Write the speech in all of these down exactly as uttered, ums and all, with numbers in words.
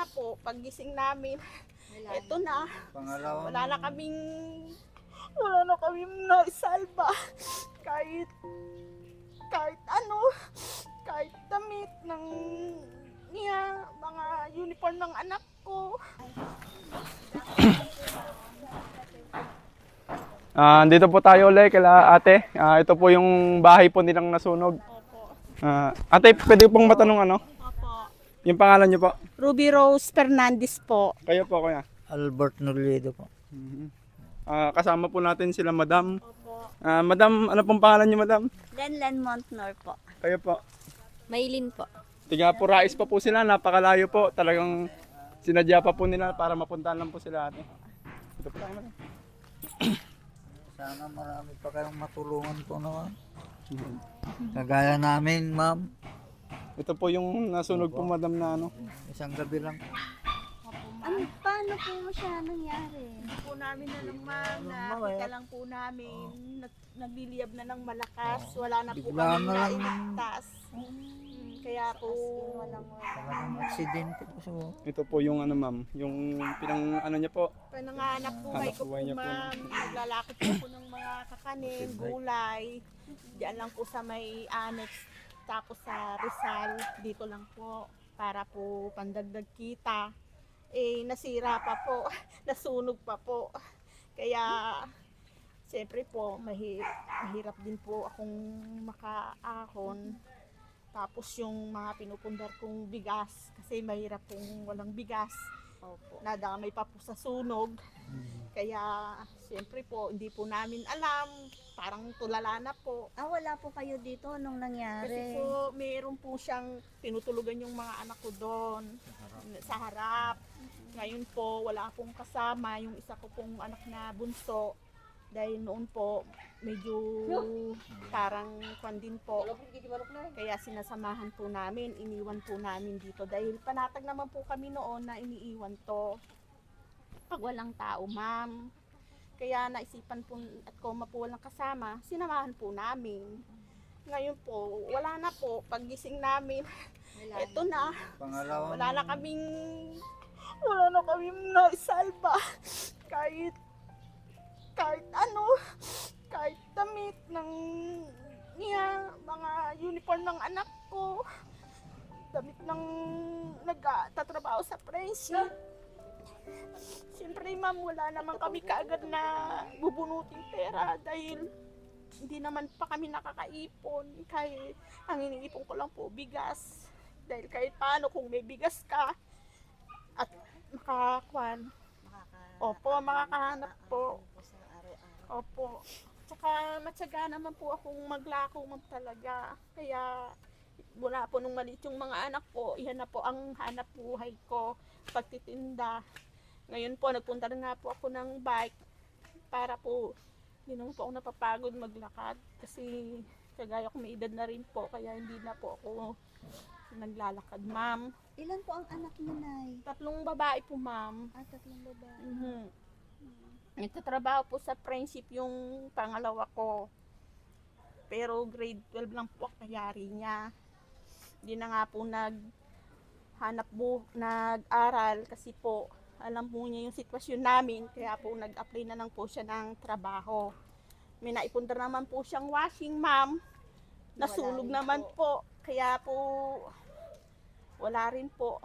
na po, paggising namin, eto na. Pangalawa. Wala na kaming, wala na kaming naisalba. Kahit, kahit ano, kahit damit ng niya, mga uniform ng anak ko. Ah, dito po tayo ulit kila ate. Ah, ito po yung bahay po nilang nasunog. Opo. Ah, ate, pwede pong matanong ano? Opo. Yung pangalan niyo po? Ruby Rose Fernandez po. Kayo po, kuya. Albert Noliedo po. Ah, kasama po natin sila madam. Opo. Ah, madam, ano pong pangalan niyo madam? Lenlen Montnor po. Kayo po. Maylin po. Tiga po Rais pa po sila, napakalayo po. Talagang sinadya pa po nila para mapuntahan lang po sila ate. Ito po tayo madam. Sana marami pa kayong matulungan po naman. Kagaya namin, ma'am. Ito po yung nasunog po madam na ano. Isang gabi lang. Ano, paano po siya nangyari? Po namin na lang ma'am, nakita lang po namin, nag- nagliliyab na ng malakas, wala na po Bigla kami na lang. nailigtas. Mm, Kaya po, Talagang aksidente po siya. Ito po yung ano ma'am, yung pinang ano niya po. pananganak buhay Hanap ko po buhay niya po. ma'am, naglalakot po ako ng mga kakanin, gulay, diyan lang po sa may annex, tapos sa Rizal, dito lang po, para po pandagdag kita. Eh, nasira pa po, nasunog pa po. Kaya, siyempre po, mahi- mahirap din po akong makaahon. Tapos yung mga pinupundar kong bigas, kasi mahirap kung walang bigas. Opo. Nadamay pa po sa sunog. Kaya, siyempre po, hindi po namin alam. Parang tulala na po. Ah, wala po kayo dito nung Kasi nangyari. po, mayroon po siyang tinutulugan yung mga anak ko doon sa harap. Ngayon po, wala akong kasama yung isa ko pong anak na bunso. Dahil noon po, medyo parang kwan din po. Kaya sinasamahan po namin, iniwan po namin dito. Dahil panatag naman po kami noon na iniiwan to. Pag walang tao, ma'am. Kaya naisipan po at koma po walang kasama, sinamahan po namin. Ngayon po, wala na po. Paggising namin, eto na. Pangalawa. Wala na kaming, wala na kaming naisalba. Kahit, kahit ano, kahit damit ng niya, mga uniform ng anak ko, damit ng nagtatrabaho sa friendship. Siyempre ma'am, wala naman kami kaagad na bubunuting pera dahil hindi naman pa kami nakakaipon. Kahit ang iniipon ko lang po bigas. Dahil kahit paano kung may bigas ka at makakwan, opo, makakahanap po. Opo. Tsaka matyaga naman po akong maglako ma'am talaga. Kaya mula po nung maliit yung mga anak ko, iyan na po ang hanap buhay ko, pagtitinda. Ngayon po, nagpunta na nga po ako ng bike para po, hindi naman po ako napapagod maglakad. Kasi kagaya ko may edad na rin po, kaya hindi na po ako naglalakad, ma'am. Ilan po ang anak niyo, Nay? Tatlong babae po, ma'am. Ah, tatlong babae. Mhm. Nagtatrabaho po sa friendship yung pangalawa ko. Pero grade twelve lang po ang kayari niya. Hindi na nga po naghanap bu nag-aral kasi po alam po niya yung sitwasyon namin, kaya po nag-apply na lang po siya ng trabaho. May naipundar naman po siyang washing, ma'am. Nasunog naman po. Kaya po wala rin po.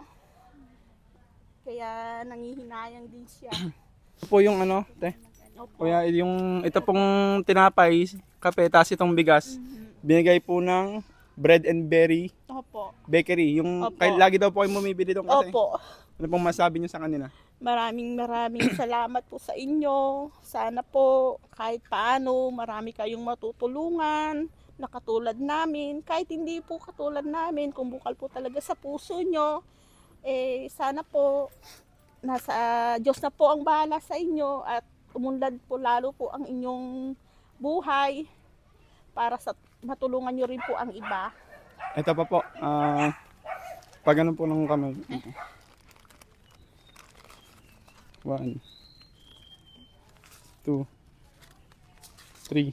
Kaya nangihinayang din siya. Ito po yung ano, te. Opo. Kuya, yung ito pong tinapay, kape, tas itong bigas. Binigay po ng Bread and Berry Opo. Bakery. Yung Opo. kahit lagi daw po kayo bumibili doon kasi. Opo. Ano pong masabi niyo sa kanila? Maraming maraming salamat po sa inyo. Sana po kahit paano marami kayong matutulungan na katulad namin. Kahit hindi po katulad namin, kung bukal po talaga sa puso nyo, eh sana po nasa Diyos na po ang bahala sa inyo at umunlad po lalo po ang inyong buhay para sa matulungan nyo rin po ang iba. Ito pa po. Ah, pag ano po nung kamay. One. Two. Three.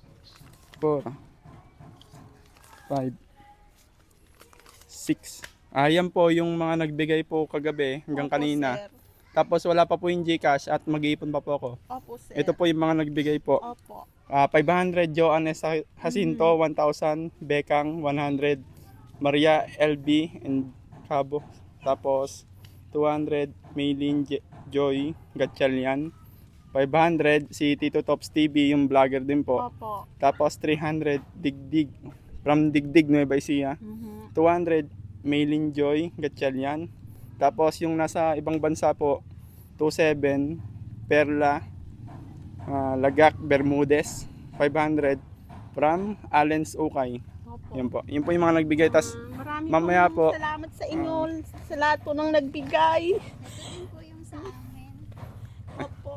Four. Five. Six. Ah, yan po yung mga nagbigay po kagabi hanggang Opo, kanina. sir. Tapos wala pa po yung GCash at mag-iipon pa po ako. Opo, sir. Ito po yung mga nagbigay po. Opo. Ah, five hundred Joannes Jacinto, one thousand Bekang, one hundred Maria L B and Cabo. Tapos two hundred Maylin J- Joy Gatchalian. five hundred si Tito Tops T V, yung vlogger din po. Opo. Tapos three hundred Digdig from Digdig Nueva Ecija. Mhm. two hundred Maylin Joy Gatchalian. Tapos yung nasa ibang bansa po, twenty-seven Perla ah, Lagak Bermudez, five hundred from Allen's Ukay. Opo. Yun po. Yun po yung mga nagbigay. Tas Mm, Marami mamaya pong po- salamat sa inyo, sa lahat po ng nagbigay. Yun po yung sa amin. Opo.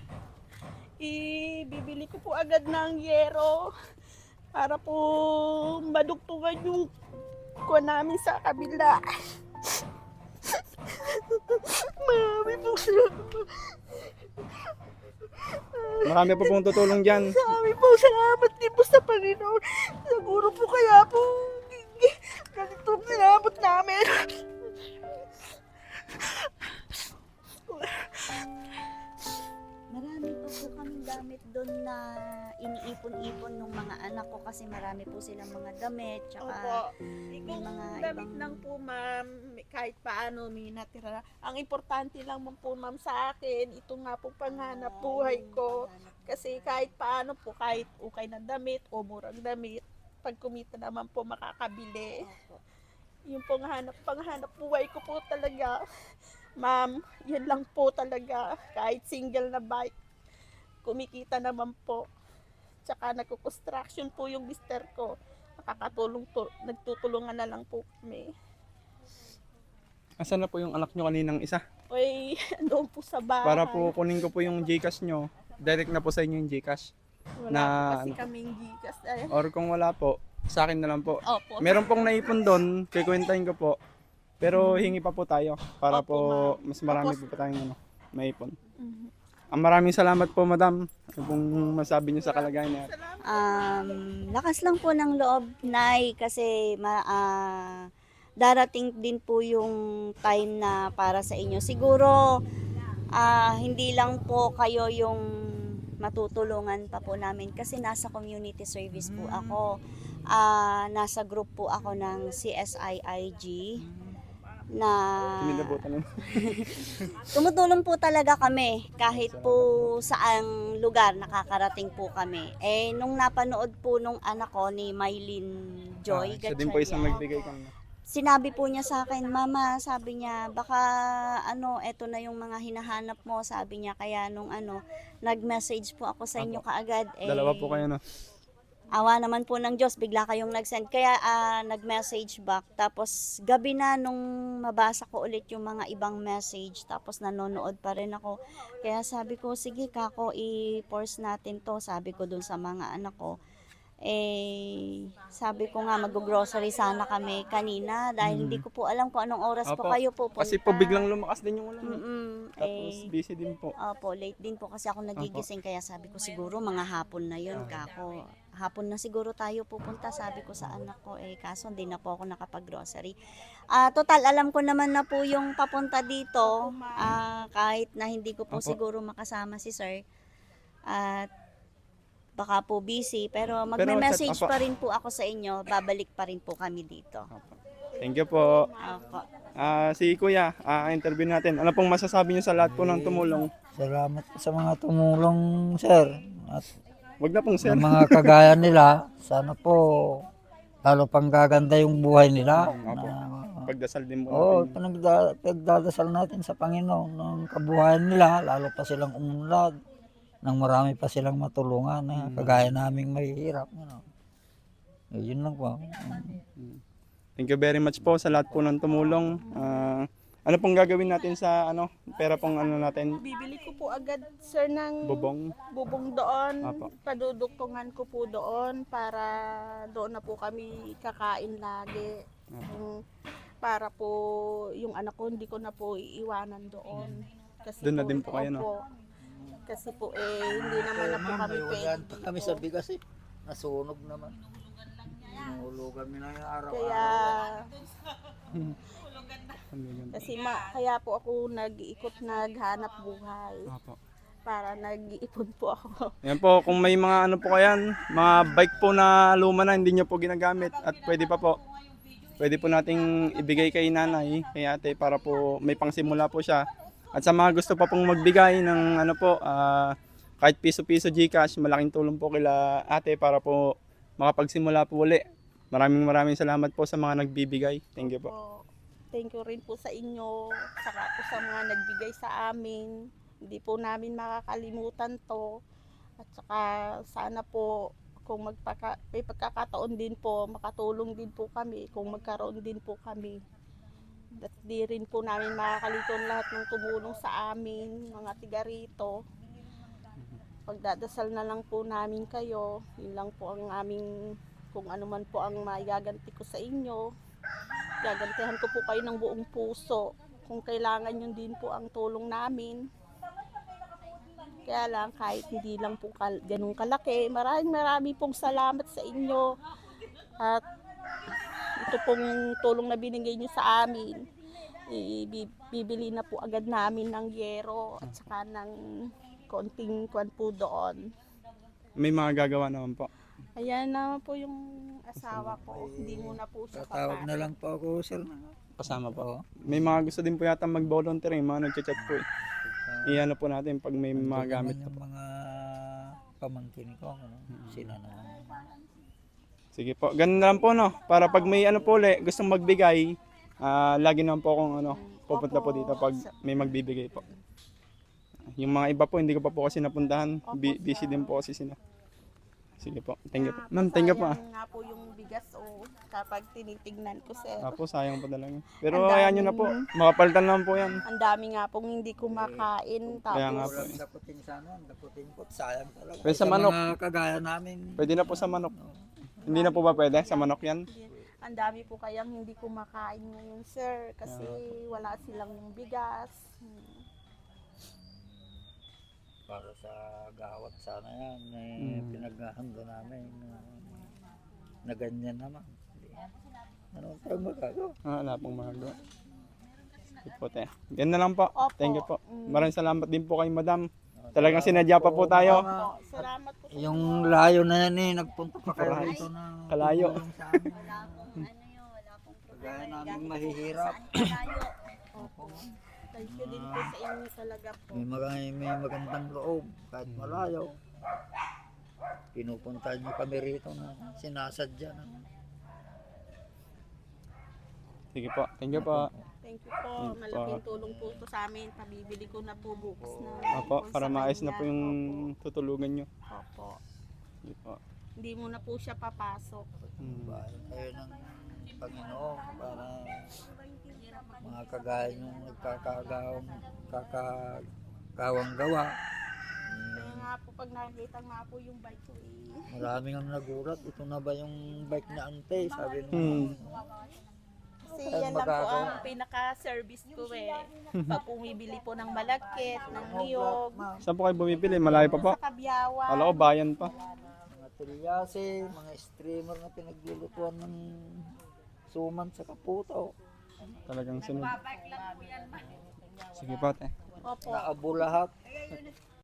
Ibibili ko po agad ng yero para po madugtungan yung ko namin sa kabila. Marami po salamat. marami po pong tutulong dyan. Marami po salamat din po sa Panginoon. Siguro po kaya po ganito ang sinabot namin. Marami pa po kaming gamit doon na iniipon-ipon ng mga anak ko kasi marami po silang mga damit. Tsaka Opo. may Kung mga damit ibang- lang po, ma'am, kahit paano may natira. Ang importante lang mo po, ma'am, sa akin, ito nga po panghanap buhay ko. Kasi kahit paano po, kahit ukay na damit o murang damit, pag kumita naman po makakabili. Opo. Yung pong hanap, panghanap buhay ko po talaga. Ma'am, yun lang po talaga. Kahit single na bike, kumikita naman po. Tsaka nagko-construction po yung mister ko. Nakakatulong to, nagtutulungan na lang po kami. Asan na po yung anak nyo kaninang isa? Uy, doon po sa bahay. Para po kunin ko po yung GCash nyo. Direct na po sa inyo yung GCash. Wala na- po kasi kaming gigas. Ay, Or kung wala po, sa akin na lang po. opo. Meron pong naipon doon, kikwentahin ko po. Pero hingi pa po tayo para Opo, po ma'am. mas marami Opo. po pa tayong ano, maipon. Mhm. Ang maraming salamat po, madam. Ano pong masabi niyo sa kalagayan niya? Salamat. Um, lakas lang po ng loob, Nay, kasi ma, ah, darating din po yung time na para sa inyo. Siguro, ah, hindi lang po kayo yung matutulungan pa po namin kasi nasa community service po ako. Ah, nasa group po ako ng C S I I G na Sinilabutan nun. tumutulong po talaga kami kahit po saang lugar nakakarating po kami. Eh, nung napanood po nung anak ko ni Mylene Joy, Ah, siya din po isang Gatchalian, nagbigay kanina. sinabi po niya sa akin, Mama, sabi niya, baka ano, eto na yung mga hinahanap mo, sabi niya. Kaya nung ano, nag-message po ako sa inyo Apo. kaagad. Eh, Dalawa po kayo, no? awa naman po ng Diyos, bigla kayong nag-send. Kaya ah, nag-message back. Tapos gabi na nung mabasa ko ulit yung mga ibang message. Tapos nanonood pa rin ako. Kaya sabi ko, sige kako, i-force natin to. Sabi ko dun sa mga anak ko. Eh, sabi ko nga mag-grocery sana kami kanina. Dahil hindi ko po alam kung anong oras po Opo. kayo pupunta. Kasi po biglang lumakas din yung ulan. no? Mm-mm, Tapos eh, busy din po. Opo, late din po kasi ako nagigising kaya sabi ko siguro mga hapon na yun kako. Hapon na siguro tayo pupunta sabi ko sa anak ko eh kaso hindi na po ako nakapag-grocery. Ah, total alam ko naman na po yung papunta dito ah, kahit na hindi ko po Opo. siguro makasama si sir. At baka po busy pero Pero magme-message chat- opo. pa rin po ako sa inyo. Babalik pa rin po kami dito. Thank you po. Opo. Ah, si Kuya, ah, interview natin. Ano pong masasabi niyo sa lahat po ng tumulong? Salamat po sa mga tumulong, sir. At Wag na pong sir. ng mga kagaya nila, sana po lalo pang gaganda yung buhay nila. Opo. Na, Pagdasal din po Oo, natin. panagda, pagdadasal natin sa Panginoon ng kabuhayan nila, lalo pa silang umunlad, nang marami pa silang matulungan na kagaya naming mahihirap. Ano. Eh, yun lang po. Thank you very much po sa lahat po ng tumulong. Ah, ano pong gagawin natin sa ano, pera pong ano natin, Bibili ko po agad, sir, ng bubong? bubong doon. Apo. Paduduktungan ko po doon para doon na po kami kakain lagi. Yung- para po yung anak ko hindi ko na po iiwanan doon. Kasi Doon na din po kayo, no? opo. Kasi po eh hindi naman na po kami pwede dito. kami sa bigas eh. Nasunog naman. Nahulugan mi na yung araw-araw. Kaya Pambigan po. Kasi ma, kaya po ako nag-iikot, naghanap buhay. Opo. Para nag-iipon po ako. Yan po, kung may mga ano po kayan, mga bike po na luma na hindi nyo po ginagamit at pwede pa po, pwede po nating ibigay kay nanay, kay ate para po may pangsimula po siya. At sa mga gusto pa pong magbigay ng ano po, ah, kahit piso-piso Gcash, malaking tulong po kila ate para po makapagsimula po uli. Maraming maraming salamat po sa mga nagbibigay. Thank you po. Po. Thank you rin po sa inyo, saka po sa mga nagbigay sa amin. Hindi po namin makakalimutan to. At saka sana po kung magpaka, may pagkakataon din po, makatulong din po kami kung magkaroon din po kami. At di rin po namin makakalimutan lahat ng tumulong sa amin, mga tiga rito. Pagdadasal na lang po namin kayo. Yun lang po ang aming, kung ano man po ang magaganti ko sa inyo. Gagantihan ko po kayo ng buong puso. Kung kailangan yun din po ang tulong namin. Kaya lang, kahit hindi lang po kal- ganun kalaki, maraming marami pong salamat sa inyo. At ito pong tulong na binigay nyo sa amin, i- bibili na po agad namin ng yero at saka ng konting kwan po doon. May mga gagawa naman po. Ayan naman po yung asawa ko. Hindi muna po siya Tatawag na papasok. lang po ako, sir. Kasama po. Oo. May mga gusto din po yata mag-volunteer, yung mga nagchat-chat po eh. Iyan po natin pag may mga Nandun gamit naman na po. yung mga pamangkin ko, ano, sila naman. Sige po, ganun na lang po no. Para pag may ano po ulit, gustong magbigay, ah, lagi naman po akong ano, pupunta po dito pag may magbibigay po. Yung mga iba po, hindi ko pa po kasi napuntahan. Bi- busy din po kasi sila. Sige po, thank you po. Ma'am, thank you po. ah. Sayang nga po yung bigas o kapag tinitignan ko sir. Apo, sayang po talaga. Pero Ang ayan nyo na po, makapalitan lang po yan. Ang dami nga pong hindi kumakain. Kaya nga Tapos po. Walang daputin sa ano, daputin po, sayang talaga. Pwede sa manok. mga kagaya namin, Pwede na po sa manok. Hindi na po ba pwede? Sa manok yan? ang dami po kayang hindi kumakain ngayon sir. Kasi wala silang bigas. Hmm. para sa gawat sana yan, eh, Mm. pinaghahanda namin na, na ganyan naman. Ano tayong magagawa? Ah, wala pong magawa. Sige po, te. Yan na lang po. Opo. Thank you po. Mm. Maraming salamat din po kay madam. Talagang sinadya pa po tayo. Opo, salamat po. sa Yung layo na yan eh, nagpunta pa kayo Right. dito na Kalayo. tumulong sa amin. Ano yun, wala pong Kagaya namin mahihirap. Malayo. Opo. Thank you din po sa inyo talaga po. May, mag- may magandang loob kahit malayo. Pinupunta niyo kami rito na sinasadya na. Sige po. Thank you po. Thank you po. Malaking tulong po ito sa amin. Pabibili ko na po bukas na. Opo, ipon para sa maayos na kanya. po yung Opo. tutulugan nyo. Opo. Sige po. Hindi mo na po siya papasok. Hmm. Bahay kayo ng Panginoon para mga kagaya yung nagkakagawang kakagawang gawa. Kaya nga po pag nakita nga po yung bike ko eh. Maraming ang nagulat. Ito na ba yung bike na ante? Sabi nung Hmm. Kasi Ay, yan lang po magagawa. ang pinaka-service ko eh. Pag bumibili po ng malagkit, ng niyog, Saan po kayo bumibili? Malayo pa po? sa kabyawan. Kala ko bayan pa. mga tilyase, mga streamer na pinaglulutuan ng suman sa kaputo. Talagang sunod. Sige po, te. Opo. Naabo lahat.